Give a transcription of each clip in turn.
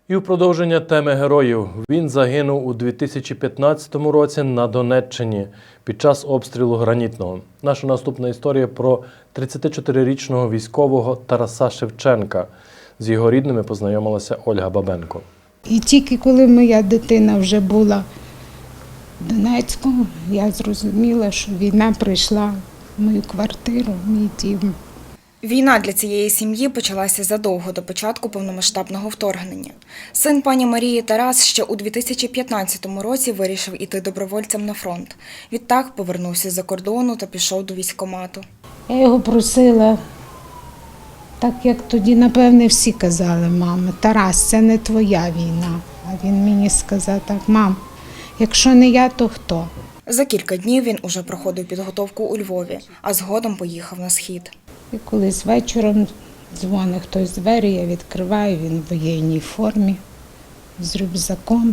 І в продовження теми героїв. Він загинув у 2015 році на Донеччині під час обстрілу Гранітного. Наша наступна історія про 34-річного військового Тараса Шевченка. З його рідними познайомилася Ольга Бабенко. І тільки коли моя дитина вже була в Донецьку, я зрозуміла, що війна прийшла в мою квартиру, в мій дім. Війна для цієї сім'ї почалася задовго до початку повномасштабного вторгнення. Син пані Марії Тарас ще у 2015 році вирішив іти добровольцем на фронт. Відтак повернувся з-за кордону та пішов до військкомату. Я його просила, так як тоді, напевне, всі казали, мама, Тарас, це не твоя війна. А він мені сказав так, мам, якщо не я, то хто? За кілька днів він уже проходив підготовку у Львові, а згодом поїхав на схід. І колись вечором дзвонить хтось з двері, я відкриваю, він в воєнній формі, з рюкзаком.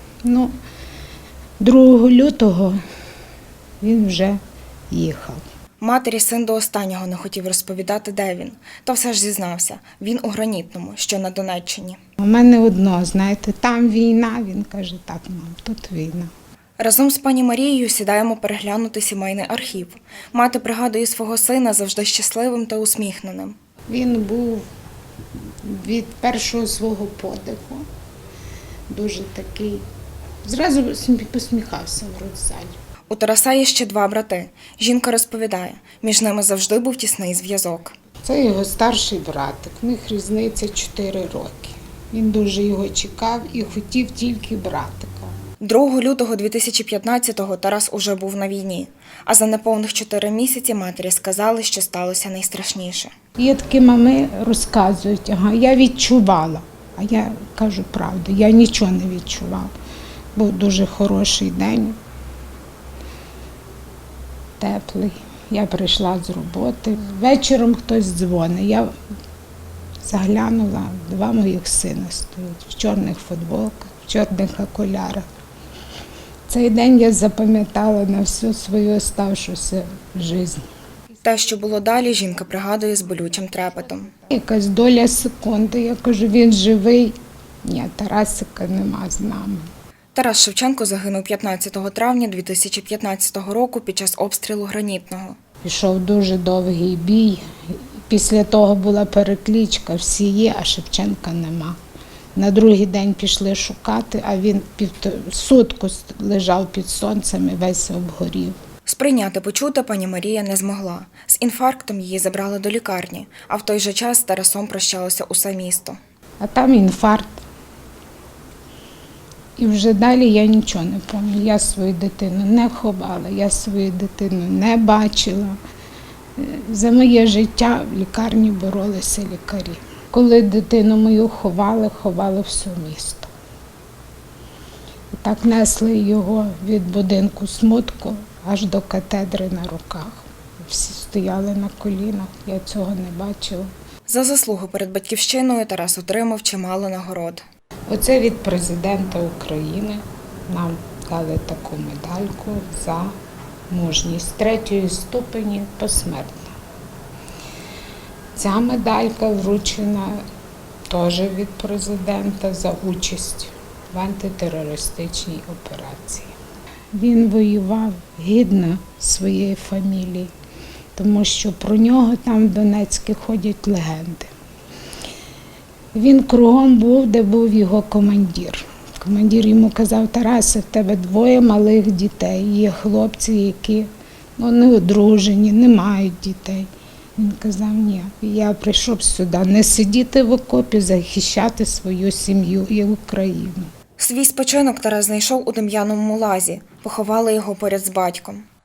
2 лютого він вже їхав. Матері син до останнього не хотів розповідати, де він. Та все ж зізнався, він у Гранітному, що на Донеччині. У мене одно, знаєте, там війна, він каже, так, мам, тут війна. Разом з пані Марією сідаємо переглянути сімейний архів. Мати пригадує свого сина завжди щасливим та усміхненим. Він був від першого свого подиху, дуже такий, зразу посміхався в родзалі. У Тараса є ще 2 брати. Жінка розповідає, між ними завжди був тісний зв'язок. Це його старший братик, в них різниця 4 роки. Він дуже його чекав і хотів тільки братика. 2 лютого 2015-го Тарас уже був на війні, а за неповних 4 місяці матері сказали, що сталося найстрашніше. Є такі мами розказують, я відчувала, а я кажу правду, я нічого не відчувала. Був дуже хороший день, теплий. Я прийшла з роботи, вечором хтось дзвонить, я заглянула, 2 моїх сина стоять в чорних футболках, в чорних окулярах. Цей день я запам'ятала на всю свою оставшуюся життя. Те, що було далі, жінка пригадує з болючим трепетом. Якась доля секунди, я кажу, він живий. Ні, Тарасика нема з нами. Тарас Шевченко загинув 15 травня 2015 року під час обстрілу Гранітного. Пішов дуже довгий бій. Після того була перекличка, всі є, а Шевченка нема. На другий день пішли шукати, а він сутку лежав під сонцем і весь обгорів. Сприйняти почуте пані Марія не змогла. З інфарктом її забрали до лікарні, а в той же час з Тарасом прощалося усе місто. А там інфаркт. І вже далі я нічого не пам'ятаю. Я свою дитину не ховала, я свою дитину не бачила. За моє життя в лікарні боролися лікарі. Коли дитину мою ховали все місто. І так несли його від будинку смутку аж до катедри на руках. Всі стояли на колінах, я цього не бачила. За заслугу перед батьківщиною Тарас отримав чимало нагород. Оце від президента України нам дали таку медальку за мужність 3-ї ступені посмертно. Ця медалька вручена теж від президента за участь в антитерористичній операції. Він воював гідно своєї фамілії, тому що про нього там в Донецьку ходять легенди. Він кругом був, де був його командир. Командир йому казав, Тарасе, в тебе 2 малих дітей, є хлопці, які не одружені, не мають дітей. Він казав, ні, я прийшов сюди не сидіти в окопі, захищати свою сім'ю і Україну. Свій спочинок Тарас знайшов у Дем'яновому лазі, поховали його поряд з батьком.